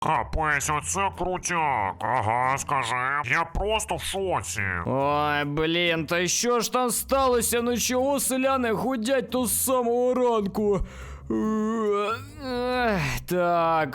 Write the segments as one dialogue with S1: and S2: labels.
S1: Капець, оце крутяк. Ага, скажи. Я просто в шоці.
S2: Ой, блін, та що ж там сталося? Ну чого селяни гудять то з самого ранку? Так,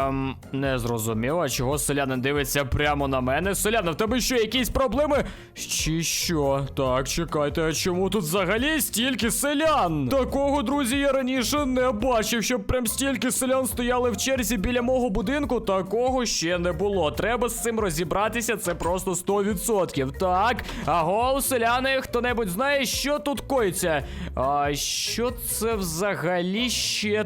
S2: не зрозуміло, а чого селянин дивиться прямо на мене? Селяни, в тебе що, якісь проблеми? Чи що? Так, чекайте, а чому тут взагалі стільки селян? Такого, друзі, я раніше не бачив, щоб прям стільки селян стояли в черзі біля мого будинку. Такого ще не було. Треба з цим розібратися, це просто 100%. Так, аго, селяни, хто-небудь знає, що тут коїться? А що це взагалі ще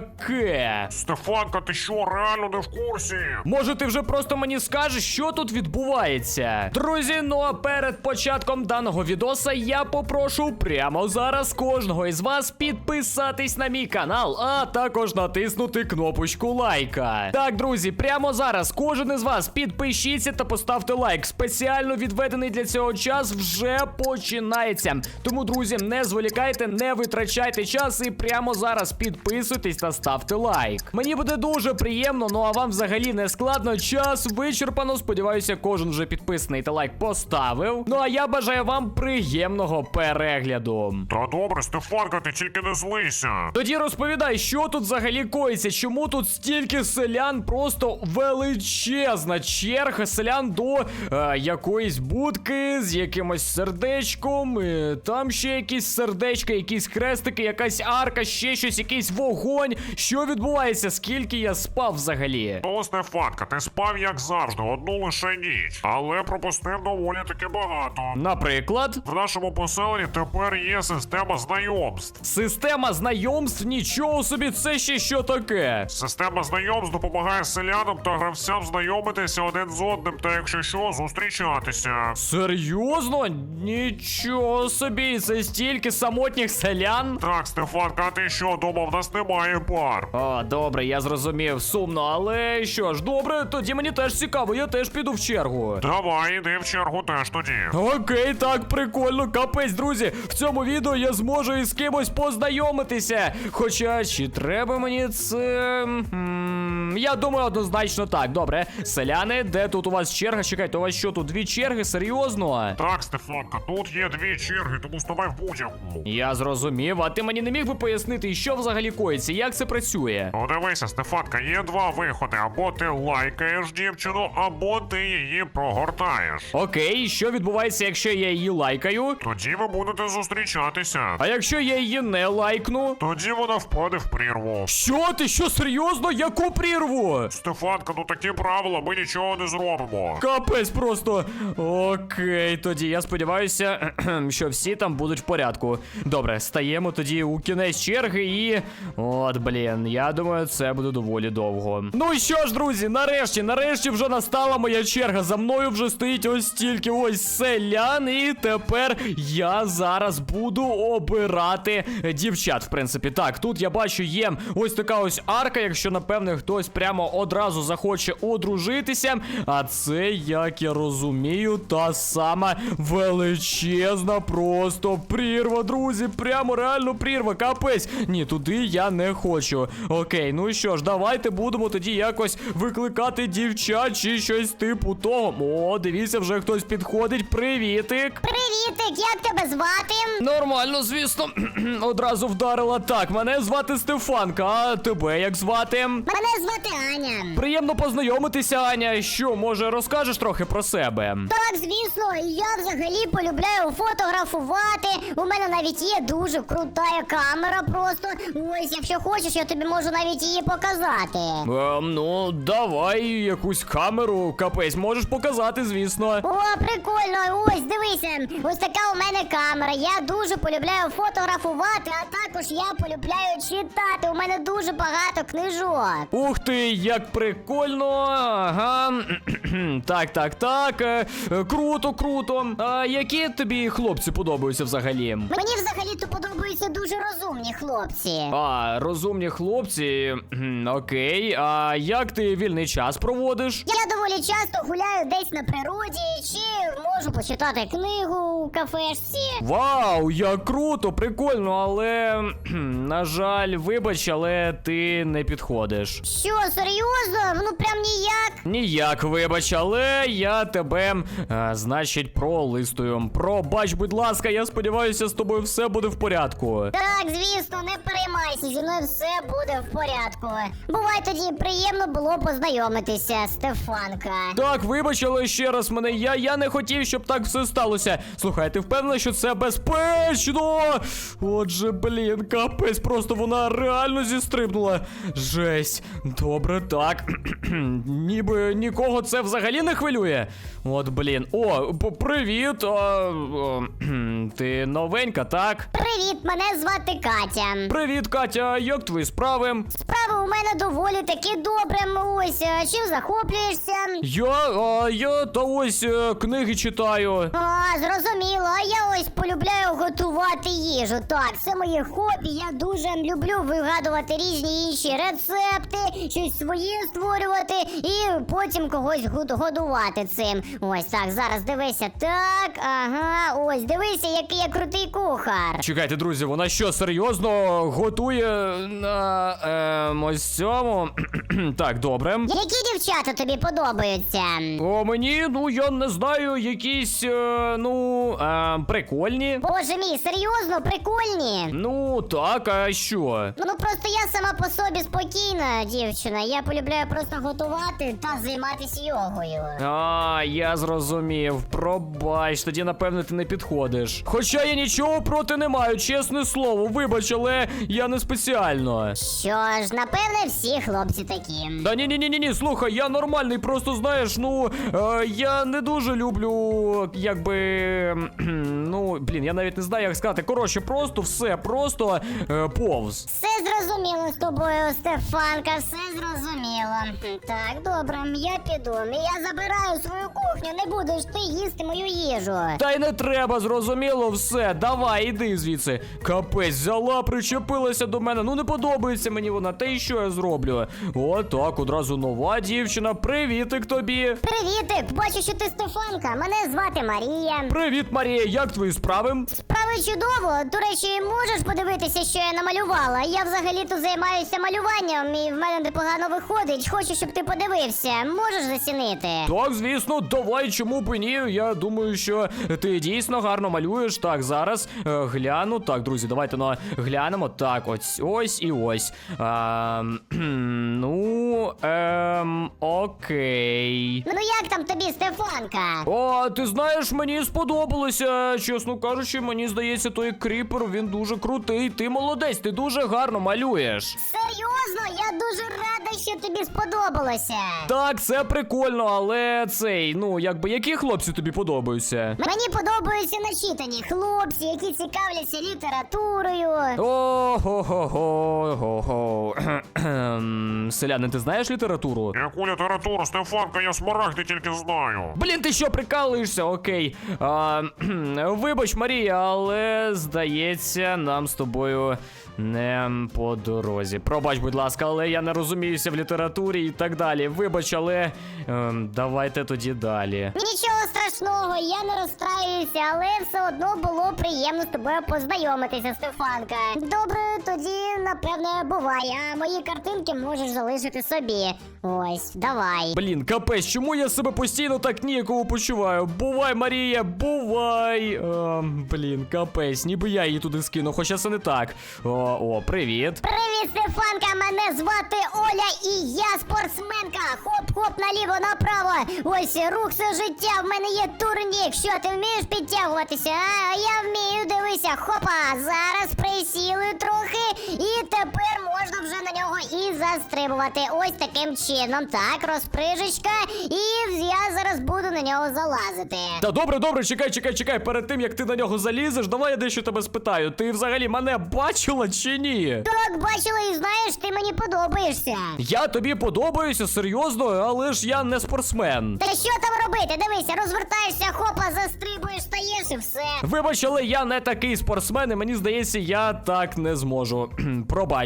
S2: таке?
S1: Стефанка, ти що, реально не в курсі?
S2: Може, ти вже просто мені скажеш, що тут відбувається? Друзі, ну а перед початком даного відоса я попрошу прямо зараз кожного із вас підписатись на мій канал, а також натиснути кнопочку лайка. Так, друзі, прямо зараз кожен із вас підпишіться та поставте лайк. Спеціально відведений для цього час вже починається. Тому, друзі, не зволікайте, не витрачайте час і прямо зараз підписуйтесь та ставте лайк. Мені буде дуже приємно, ну а вам взагалі не складно. Час вичерпано. Сподіваюся, кожен вже підписаний та лайк поставив. Ну а я бажаю вам приємного перегляду.
S1: Та добре, Стефанка, ти тільки не злися.
S2: Тоді розповідай, що тут взагалі коїться, чому тут стільки селян, просто величезна черга селян до якоїсь будки з якимось сердечком, там ще якісь сердечка, якісь хрестики, якась арка, ще щось, якийсь вогонь. Що відбувається? Скільки я спав взагалі?
S1: Ну, Стефанка, ти спав як завжди, одну лише ніч. Але пропустив доволі таки багато.
S2: Наприклад?
S1: В нашому поселенні тепер є система знайомств.
S2: Система знайомств? Нічого собі, це ще що таке?
S1: Система знайомств допомагає селянам та гравцям знайомитися один з одним та, якщо що, зустрічатися.
S2: Серйозно? Нічого собі, це стільки самотніх селян?
S1: Так, Стефанка, а ти що, думав, в нас немає пар?
S2: О, добре, я зрозумів, сумно, але що ж, добре, тоді мені теж цікаво, я теж піду в чергу.
S1: Давай, іди в чергу теж тоді.
S2: Окей, так, прикольно, капець, друзі, в цьому відео я зможу із кимось познайомитися. Хоча, чи треба мені це... Я думаю, однозначно так, добре. Селяни, де тут у вас черга? Чекайте, у вас що, тут дві черги? Серйозно?
S1: Так, Стефанка, тут є дві черги, тому ставай в будь-яку.
S2: Я зрозумів, а ти мені не міг би пояснити, що взагалі коїться, як це працює?
S1: Ну дивися, Стефанка, є два виходи. Або ти лайкаєш дівчину, або ти її прогортаєш.
S2: Окей, що відбувається, якщо я її лайкаю?
S1: Тоді ви будете зустрічатися.
S2: А якщо я її не лайкну?
S1: Тоді вона впаде в прірву.
S2: Що? Ти що, серйозно? Яку прірву?
S1: Стефанка, ну такі правила, ми нічого не зробимо.
S2: Капець просто. Окей, тоді я сподіваюся, що всі там будуть в порядку. Добре, стаємо тоді у кінець черги і... От, блін, я думаю, це буде доволі довго. Ну що ж, друзі, нарешті вже настала моя черга. За мною вже стоїть ось стільки ось селян, і тепер я зараз буду обирати дівчат, в принципі. Так, тут я бачу є ось така ось арка, якщо, напевне, хтось прямо одразу захоче одружитися. А це, як я розумію, та сама величезна просто прірва, друзі. Прямо реально прірва, капець. Ні, туди я не хочу. Окей, ну що ж, давайте будемо тоді якось викликати дівчат чи щось типу того. О, дивіться, вже хтось підходить. Привітик.
S3: Привітик, як тебе звати?
S2: Нормально, звісно. Одразу вдарила. Так, мене звати Стефанка, а тебе як звати?
S3: Мене звати Аня.
S2: Приємно познайомитися, Аня. Що, може, розкажеш трохи про себе?
S3: Так, звісно, я взагалі полюбляю фотографувати. У мене навіть є дуже крута камера просто. Ось, якщо хочеш, я тобі можу навіть її показати.
S2: Ну, давай якусь камеру, капець, можеш показати, звісно.
S3: О, прикольно, ось, дивися. Ось така у мене камера. Я дуже полюбляю фотографувати, а також я полюбляю читати. У мене дуже багато книжок.
S2: Ух ти, як прикольно. Ага. Так. Круто. А які тобі хлопці подобаються взагалі?
S3: Мені взагалі-то подобаються дуже розумні хлопці.
S2: А, розумні хлопці. Окей. А як ти вільний час проводиш?
S3: Я доволі часто гуляю десь на природі, чи можу почитати книгу у кафешці.
S2: Вау, як круто, прикольно, але, на жаль, вибач, але ти не підходиш.
S3: Що, серйозно? Ну прям ніяк.
S2: Ніяк, вибач, але я тебе, значить, пролистую. Пробач, будь ласка, я сподіваюся, з тобою все буде в порядку.
S3: Так, звісно, не переймайся, зі мною все буде в порядку. Бувай тоді, приємно було познайомитися, Стефанка.
S2: Так, вибач, але ще раз мене, я не хотів, щоб так все сталося. Слухай, ти впевнений, що це безпечно? Отже, блін, капець, просто вона реально зістрибнула. Жесть. Добре, так. Ніби нікого це взагалі не хвилює. От, блін. О, привіт. Ти новенька, так?
S3: Привіт, мене звати Катя.
S2: Привіт, Катя, як твої справи?
S3: Справи у мене доволі таки добре. Ось, чим захоплюєшся?
S2: Я та ось книги читаю.
S3: А, зрозуміло, а я ось полюбляю готувати їжу. Так, це моє хобі, я дуже люблю вигадувати різні інші рецепти, щось своє створювати і потім когось годувати цим. Ось так, зараз дивися. Так, ага, ось, дивися, який я крутий кухар.
S2: Чекайте, друзі, вона що, серйозно готує на ось цьому? Так, добре.
S3: Які дівчата тобі подобаються?
S2: О, мені, ну, я не знаю, якісь, прикольні.
S3: Боже мій, серйозно, прикольні?
S2: Ну, так, а що?
S3: Ну просто я сама по собі спокійна дівчина. Я полюбляю просто готувати та займатися йогою.
S2: А, я зрозумів. Пробач, тоді, напевно, ти не підходиш. Хоча я нічого проти не маю, чесне слово. Вибач, але я не спеціально.
S3: Що ж, напевне, всі хлопці такі.
S2: Да ні, слухай, я нормальний, просто знаєш, я не дуже люблю, якби, я навіть не знаю, як сказати. Коротше, просто повз.
S3: Все зрозуміло з тобою, Стефанка, все зрозуміло. Так, добре, я піду. Я забираю свою кухню, не будеш ти їсти мою їжу.
S2: Та й не треба, зрозуміло, все, давай, іди звідси. Капець, взяла, причепилася до мене, ну не подобається мені вона, та й що я зроблю? О, так, одразу нова дівчина, привітик тобі.
S3: Привітик, бачу, що ти Стефанка, мене звати Марія.
S2: Привіт, Марія, як твої справи?
S3: Справи чудово, до речі, можеш подивитися, що я намалювала? Я взагалі-то займаюся малюванням і в мене непогано виходить, хочу, щоб ти подивився, можеш зацінити?
S2: Так, звісно, давай, чому б і ні? Я думаю, що ти дійсно гарно малюєш. Так, зараз гляну. Так, друзі, давайте глянемо. Так, ось і ось. Окей.
S3: Ну як там тобі, Стефанка?
S2: О, ти знаєш, мені сподобалося. Чесно кажучи, мені здається, той кріпер, він дуже крутий. Ти молодець, ти дуже гарно малюєш.
S3: Серйозно? Я дуже рада, що тобі сподобалося.
S2: Так, це прикольно, але які хлопці тобі подобаються?
S3: Мені подобаються начитані хлопці, які цікавляться літературою.
S2: Ого-го-го-го. Селяни, ти знаєш літературу?
S1: Яку літературу, Стефанка, я смарагди тільки знаю.
S2: Блін, ти що, прикалуєшся? Окей. Вибач, Марія, але, здається, нам з тобою не по дорозі. Пробач, будь ласка, але я не розуміюся в літературі і так далі. Вибач, але давайте тоді далі.
S3: Нічого страшного, я не розстраюся, але все одно було приємно з тобою познайомитися, Стефанка. Добре, тоді, напевне, бувай, а мої картинки можеш залишити собі. Ось, давай.
S2: Блін, капець, чому я себе постійно так ніяково почуваю? Бувай, Марія, бувай! Блін, капець, ніби я її туди скину, хоча це не так. Привіт.
S3: Привіт, Стефанка, мене звати Оля і я спортсменка. Хоп-хоп, наліво, направо. Ось, рух все життя, в мене є турнік. Що, ти вмієш підтягуватися? А я вмію, дивися, хопа. Зараз присіли трохи і тепер можна вже на нього і застрибувати. Ось таким чином. Так, розприжечка. І я зараз буду на нього залазити.
S2: Та добре, чекай. Перед тим, як ти на нього залізеш, давай я дещо тебе спитаю. Ти взагалі мене бачила чи ні?
S3: Так, бачила і знаєш, ти мені подобаєшся.
S2: Я тобі подобаюся, серйозно, але ж я не спортсмен.
S3: Та що там робити? Дивися, розвертаєшся, хопа, застрибуєш, стаєш і все.
S2: Вибач, але я не такий спортсмен, і мені здається, я так не зможу. Пробач, але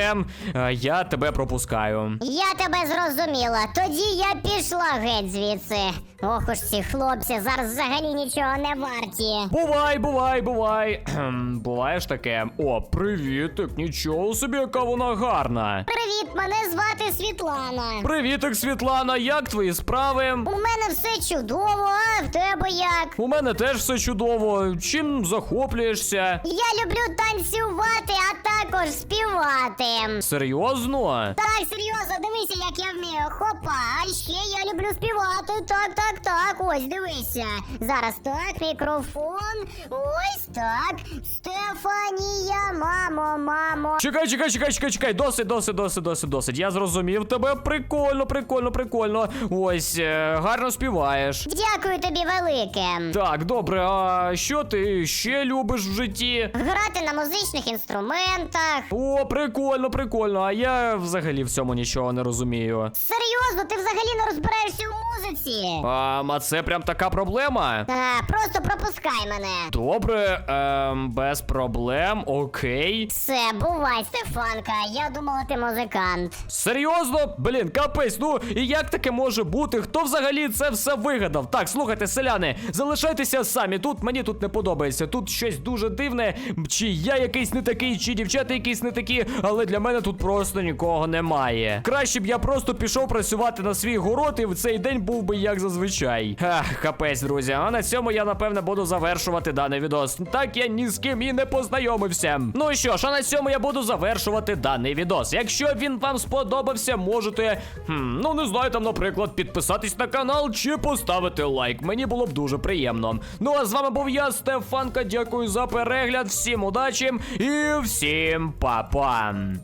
S2: все, я тебе пропускаю.
S3: Я тебе зрозуміла. Тоді я пішла геть звідси. Ох уж ці хлопці, зараз взагалі нічого не варті.
S2: Бувай. Буває ж таке. О, привітик, нічого собі, яка вона гарна.
S3: Привіт, мене звати Світлана.
S2: Привітик, Світлана, як твої справи?
S3: У мене все чудово, а в тебе як?
S2: У мене теж все чудово. Чим захоплюєшся?
S3: Я люблю танцювати, а також співати.
S2: Серйозно?
S3: Так, серйозно, дивися, як я вмію. Хопа, а ще я люблю співати. Так, ось, дивися. Зараз так, мікрофон. Ось так. Стефанія, мамо.
S2: Чекай, досить. Я зрозумів тебе. Прикольно. Ось, гарно співаєш.
S3: Дякую тобі велике.
S2: Так, добре, а що ти ще любиш в житті?
S3: Грати на музичних інструментах.
S2: О, прикольно, а я взагалі в цьому нічого не розумію.
S3: Серйозно, ти взагалі не розбираєшся у музиці?
S2: А це прям така проблема?
S3: Просто пропускай мене.
S2: Добре, без проблем, окей.
S3: Все, бувай, Стефанка, я думала, ти музикант.
S2: Серйозно? Блін, капець, ну і як таке може бути? Хто взагалі це все вигадав? Так, слухайте, селяни, залишайтеся самі. Мені тут не подобається. Тут щось дуже дивне. Чи я якийсь не такий, чи дівчата якісь не такі, але для мене тут просто нікого немає. Краще б я просто пішов працювати на свій город, і в цей день був би як зазвичай. Капець, друзі. А на цьому я, напевне, буду завершувати даний відос. Так я ні з ким і не познайомився. Ну що ж, а на цьому я буду завершувати даний відос. Якщо він вам сподобався, можете, ну не знаю, там, наприклад, підписатись на канал чи поставити лайк. Мені було б дуже приємно. Ну а з вами був я, Стефанка. Дякую за перегляд. Всім удачі і всім па-па.